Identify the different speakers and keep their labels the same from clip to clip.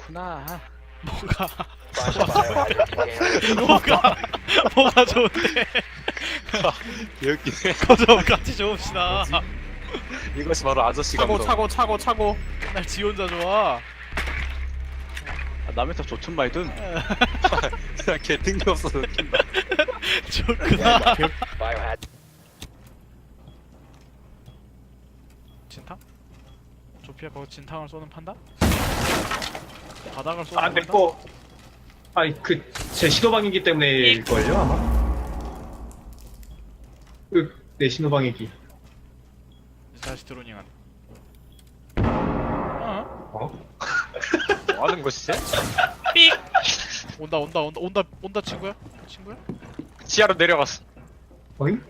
Speaker 1: 좋구나.
Speaker 2: 뭐가
Speaker 3: Biohazard container
Speaker 2: 뭐가 좋은데?
Speaker 1: 여기네.
Speaker 2: 거저 같이 좋읍시다.
Speaker 1: 이것이 바로 아저씨 감독.
Speaker 4: 차고.
Speaker 2: 맨날 지 혼자 좋아.
Speaker 1: 남의 탑 좋든 말든 그냥 개 뜬금없어서 웃긴다.
Speaker 2: 좋구나.
Speaker 3: Biohazard
Speaker 2: 진탕? 조피아 거기 진탕을 쏘는 판다? 바닥을 쏘는
Speaker 4: 아,
Speaker 2: 판다?
Speaker 4: 내꺼. 아니, 제 신호방이기 때문일걸요, 아마? 내 신호방이기.
Speaker 2: 다시 드로닝한.
Speaker 4: 어?
Speaker 1: 뭐 하는 것이지?
Speaker 2: 온다 친구야? 친구야?
Speaker 1: 지하로 내려갔어.
Speaker 4: 어잉?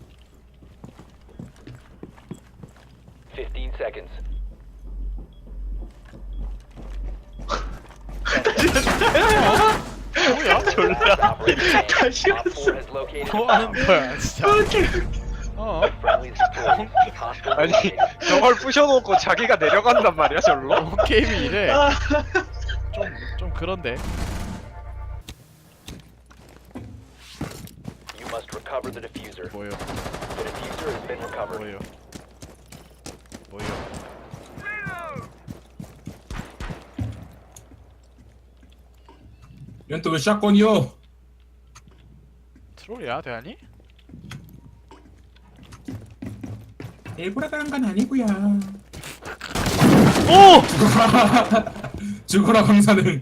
Speaker 3: 15 seconds.
Speaker 2: 뭐야?
Speaker 3: Last operator
Speaker 4: 다시
Speaker 3: standing. Op 4
Speaker 4: 왔어.
Speaker 3: has located
Speaker 2: 뭐
Speaker 3: a
Speaker 2: 하는
Speaker 3: bomb.
Speaker 2: 거야 진짜.
Speaker 3: Friendly destroyed. Hostile
Speaker 1: 아니
Speaker 3: eliminated.
Speaker 1: 저걸 부셔놓고 자기가 내려간단 말이야 절로?
Speaker 2: 게임이 이래. 좀 그런데.
Speaker 3: You must recover the diffuser.
Speaker 2: 뭐요?
Speaker 3: The diffuser has been recovered.
Speaker 2: 뭐요? 뭐요?
Speaker 5: 이건 또 왜 샷건이요?
Speaker 2: 트롤이야 대한이?
Speaker 5: 일부러 그런 건 아니고요.
Speaker 2: 오!
Speaker 5: 죽어라 강사는.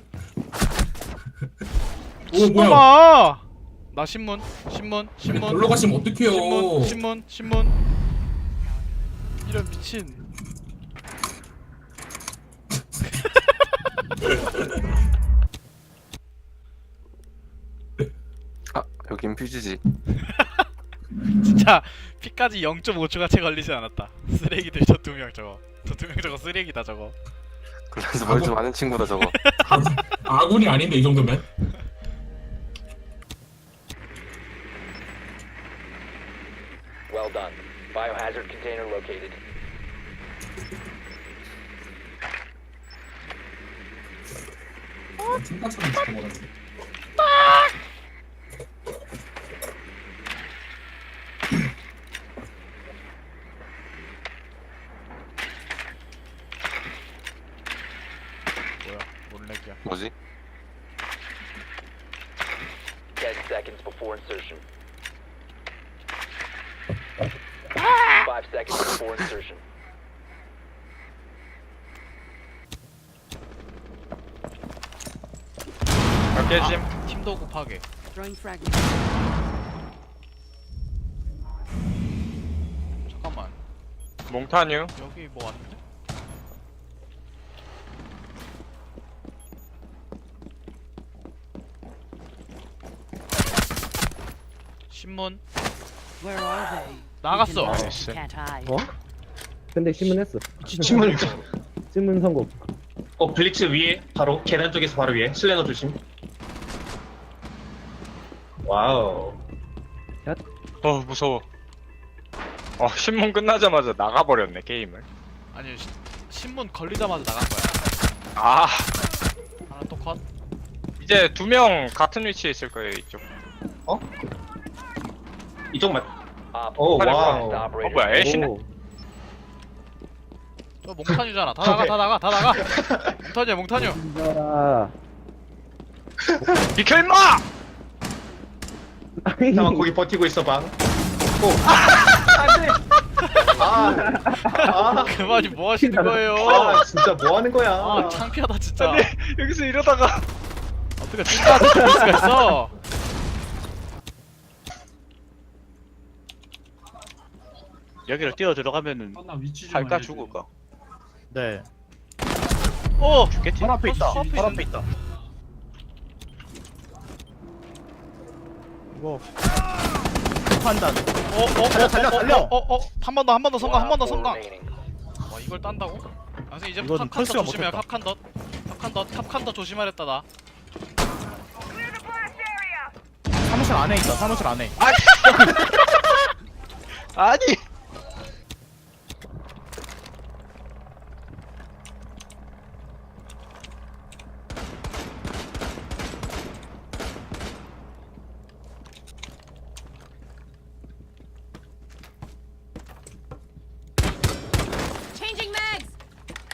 Speaker 5: 오 뭐야?
Speaker 2: 엄마! 나 신문.
Speaker 5: 놀러 가시면 어떡해요?
Speaker 2: 신문. 이런 미친.
Speaker 6: 아 여긴 퓨즈지.
Speaker 2: 진짜 피까지 0.5초가 채 걸리지 않았다. 쓰레기들 저 두 명 저거. 저 두 명 저거 쓰레기다 저거.
Speaker 6: 그래서 뭘 좀 아는 친구다 저거.
Speaker 5: 아군이 아닌데 이 정도면?
Speaker 3: Well done. Biohazard container located.
Speaker 5: 중간처럼 죽어버렸네.
Speaker 2: 뭐야? 뭔 렉이야?
Speaker 6: 뭐지?
Speaker 3: 10 seconds before insertion. 5 seconds before insertion.
Speaker 1: 깨짐.
Speaker 2: 팀도 곱하게.
Speaker 7: Throwing fragments.
Speaker 2: 잠깐만.
Speaker 1: 몽타뉴.
Speaker 2: 여기 뭐 왔는데? 신문
Speaker 7: Where are they?
Speaker 2: 나갔어.
Speaker 7: You can
Speaker 1: 나이스.
Speaker 7: Can't hide.
Speaker 8: 어? 근데 신문했어.
Speaker 4: 신문.
Speaker 8: 신문 선고.
Speaker 4: 블리츠 위에, 바로, 계단 쪽에서 바로 위에. 슬래너 조심. 와우.
Speaker 1: 무서워. 신문 끝나자마자 나가버렸네 게임을.
Speaker 2: 아니 신문 걸리자마자 나간 거야.
Speaker 1: 아
Speaker 2: 하나 또 컷.
Speaker 1: 이제 두 명 같은 위치에 있을 거예요 이쪽.
Speaker 4: 이쪽만.
Speaker 3: Op
Speaker 4: 오,
Speaker 3: 4
Speaker 4: 와우.
Speaker 3: last operator.
Speaker 1: 뭐야 애쉬네?
Speaker 8: 오.
Speaker 2: 저 몽타뉴잖아. 다 나가. 몽타뉴.
Speaker 8: 진짜.
Speaker 1: 비켜 임마!
Speaker 4: 잠깐 거기 버티고 있어봐. 안돼.
Speaker 2: 그만이 뭐 하시는 거예요?
Speaker 4: 진짜 뭐 하는 거야?
Speaker 2: 아 창피하다 진짜.
Speaker 1: 여기서 이러다가
Speaker 2: 어떻게 찐따한테 죽을 수가 있어?
Speaker 1: 여기를 뛰어 들어가면은
Speaker 5: 나 위치 좀
Speaker 1: 할까
Speaker 5: 알려줘.
Speaker 1: 죽을까?
Speaker 4: 네.
Speaker 2: 오!
Speaker 1: 죽겠지?
Speaker 4: 바로 앞에 있다.
Speaker 2: 앞에
Speaker 4: 바로 앞에 있다. 이거 판단. 달려.
Speaker 2: 한 번 더 성공.
Speaker 3: One op 4 remaining.
Speaker 2: 와 이걸 딴다고? 아 선생 이제
Speaker 4: 이거는
Speaker 2: 탑칸더
Speaker 4: 펄스가
Speaker 2: 조심해.
Speaker 4: 못했다.
Speaker 2: 탑칸더 조심하랬다 나.
Speaker 4: 사무실 안에 있다. 사무실 안에.
Speaker 1: 아니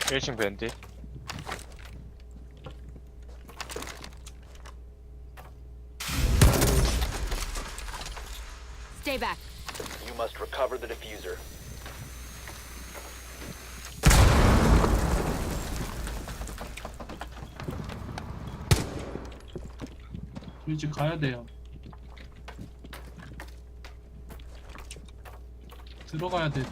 Speaker 1: 1층 밴디.
Speaker 7: Stay back.
Speaker 3: You must recover the diffuser.
Speaker 9: 일찍 가야 돼요. 들어가야 돼.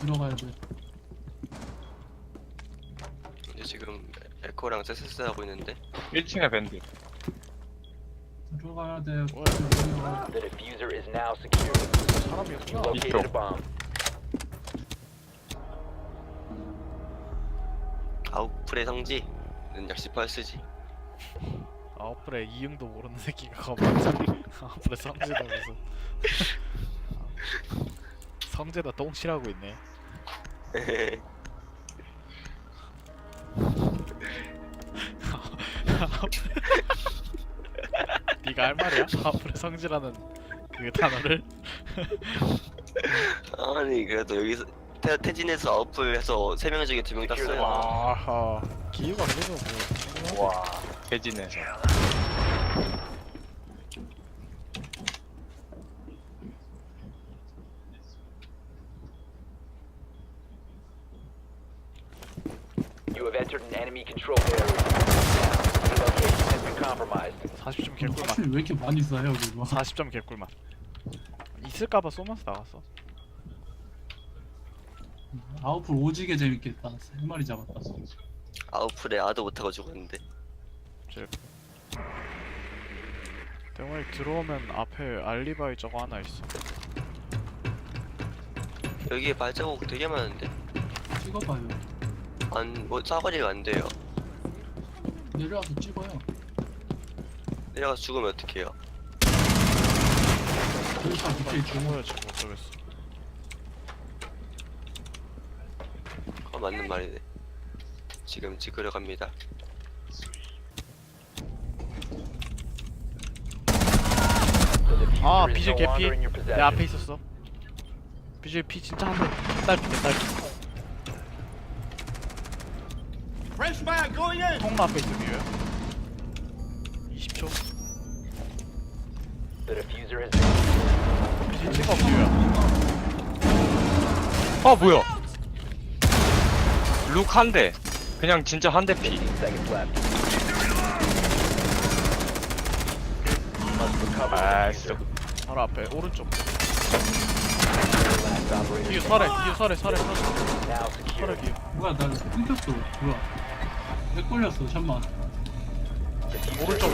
Speaker 6: 이제 지금 에코랑 세세스 하고 있는데
Speaker 1: 1층에 밴디.
Speaker 9: 들어가야 돼.
Speaker 3: The diffuser is now secure.
Speaker 2: 사람이
Speaker 3: You
Speaker 2: 없구나.
Speaker 3: located a bomb.
Speaker 6: 아웃풀의 성지는 역시 펄스지.
Speaker 2: 아웃플에 이응도 모르는 새끼가 가만히 아웃플에 성재다 무슨 성재다 똥칠하고 있네. 네가 할 말이야? 아웃플에 성질하는 그 단어를?
Speaker 6: 아니 그래도 여기서 태진에서 아웃풀에서 3명 중에 2명 땄어요.
Speaker 2: 와 기회가 그래도 뭐
Speaker 1: 와. 대진에서.
Speaker 3: You have entered an enemy control area. Your location has been compromised.
Speaker 2: 40점 개꿀맛.
Speaker 9: 하필 왜 이렇게 많이 쏴요 그거?
Speaker 2: 40점 개꿀맛. 있을까봐 쏘면서 나갔어.
Speaker 9: 아웃풀 오지게 재밌겠다. 3마리 잡았다.
Speaker 6: 아웃풀에 아도 못하고 죽었는데.
Speaker 2: 대머리 들어오면 앞에 알리바이 저거 하나 있어.
Speaker 6: 여기에 발자국 되게 많은데.
Speaker 9: 찍어봐요.
Speaker 6: 뭐 사거리가 안 돼요.
Speaker 9: 내려와서 찍어요.
Speaker 6: 내려가서 죽으면 어떡해요?
Speaker 9: 여기서 밑에 있고.
Speaker 2: 죽어야 지금 어쩌겠어.
Speaker 6: 맞는 말이네. 지금 찍으러 갑니다.
Speaker 3: The diffuser
Speaker 2: 아
Speaker 3: is
Speaker 2: 비질
Speaker 3: no longer
Speaker 2: 개피.
Speaker 3: in your
Speaker 2: 내
Speaker 3: possession.
Speaker 2: 앞에 있었어. 비질 피 진짜 한 대. 딸피 딸피. 통로 앞에 있어 비유야. 20초.
Speaker 3: The diffuser has been
Speaker 2: 비질 찍어 비유야.
Speaker 1: 아 뭐야? 룩 한 대. 그냥 진짜 한 대 피.
Speaker 3: 15 seconds left. You must recover the
Speaker 1: 아
Speaker 3: diffuser.
Speaker 1: 진짜.
Speaker 2: 바로 앞에 오른쪽.
Speaker 3: Last operator
Speaker 2: 뒤에 설에
Speaker 3: now secure.
Speaker 2: 설에 뒤에.
Speaker 9: 뭐야 나 끊겼어. 뭐야? 왜 걸렸어? 잠만.
Speaker 2: 오른쪽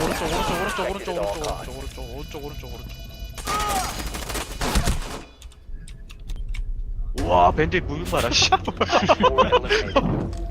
Speaker 1: 와 밴디 무빙 봐라 씨.
Speaker 3: Four eliminated.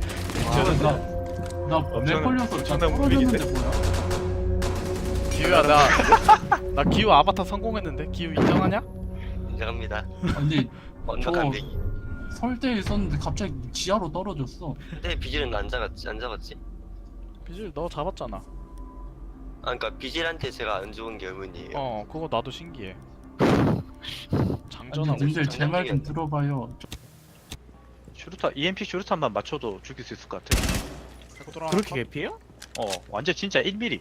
Speaker 9: 나내 걸려서 다
Speaker 1: 엄청난 무빙인데?
Speaker 9: 떨어졌는데 뭐야?
Speaker 2: 기우야 나 기우 아바타 성공했는데 기우 인정하냐?
Speaker 6: 인정합니다.
Speaker 9: 아니
Speaker 6: 완벽한 배기.
Speaker 9: 설대에 있었는데 갑자기 지하로 떨어졌어.
Speaker 6: 근데 비질은 안 잡았지?
Speaker 2: 비질 너 잡았잖아.
Speaker 6: 아 그러니까 비질한테 제가 안 좋은 게 의문이에요.
Speaker 2: 어 그거 나도 신기해.
Speaker 9: 아니
Speaker 2: 장전하고
Speaker 9: 님들
Speaker 2: 있어.
Speaker 9: 제 말 좀 들어봐요.
Speaker 1: 슈루탄 EMP 슈루탄만 맞춰도 죽일 수 있을 것 같아.
Speaker 2: 그렇게
Speaker 1: 개피해요? 완전 진짜 1mm.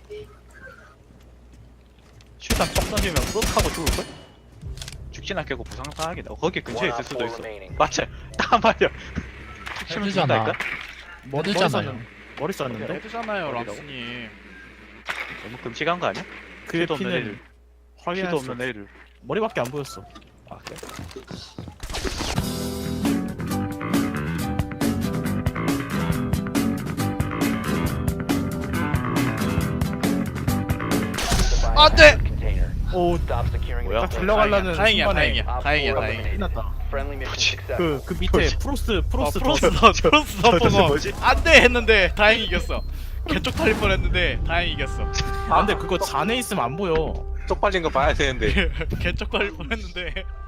Speaker 1: 슈루탄 뻥 던지면 뻑 하고 죽을걸? 죽진 않겠고 부상당하겠다. 거기 근처에
Speaker 3: One
Speaker 1: 있을
Speaker 3: op
Speaker 1: 수도
Speaker 3: 4
Speaker 1: 있어.
Speaker 3: remaining.
Speaker 1: 맞아. 딱 말이야. 치면 죽는다니까?
Speaker 9: 머리잖아요.
Speaker 10: 머리 쐈는데?
Speaker 2: 헤드잖아요
Speaker 1: 어디라고?
Speaker 2: 람스님.
Speaker 1: 너무 끔찍한 거 아니야?
Speaker 10: 그의
Speaker 1: 피도 없는
Speaker 10: 피는
Speaker 1: 애를.
Speaker 10: 확인할
Speaker 1: 피도
Speaker 10: 수
Speaker 1: 없는 애를.
Speaker 10: 머리밖에 안 보였어.
Speaker 1: 아 그래?
Speaker 2: 안 돼!
Speaker 3: Container.
Speaker 10: 오,
Speaker 3: Stop securing
Speaker 1: 뭐야?
Speaker 3: the
Speaker 10: 딱
Speaker 3: container.
Speaker 10: 들려가려는
Speaker 2: 다행이야
Speaker 10: 순간에
Speaker 2: 다행이야 다행이야
Speaker 3: Op 4
Speaker 2: 다행이야.
Speaker 3: eliminated. Friendly mission successful.
Speaker 10: 그 밑에 프로스
Speaker 2: 프로스
Speaker 10: 프로스
Speaker 2: 덤퍼가
Speaker 1: 뭐지?
Speaker 2: 안돼 했는데 다행히 이겼어. 개쪽 탈릴 뻔했는데 다행히 이겼어.
Speaker 10: 아 근데 그거 잔에 있으면 안 보여.
Speaker 1: 쪽 빨린 거 봐야 되는데.
Speaker 2: 개쪽 걸릴 뻔했는데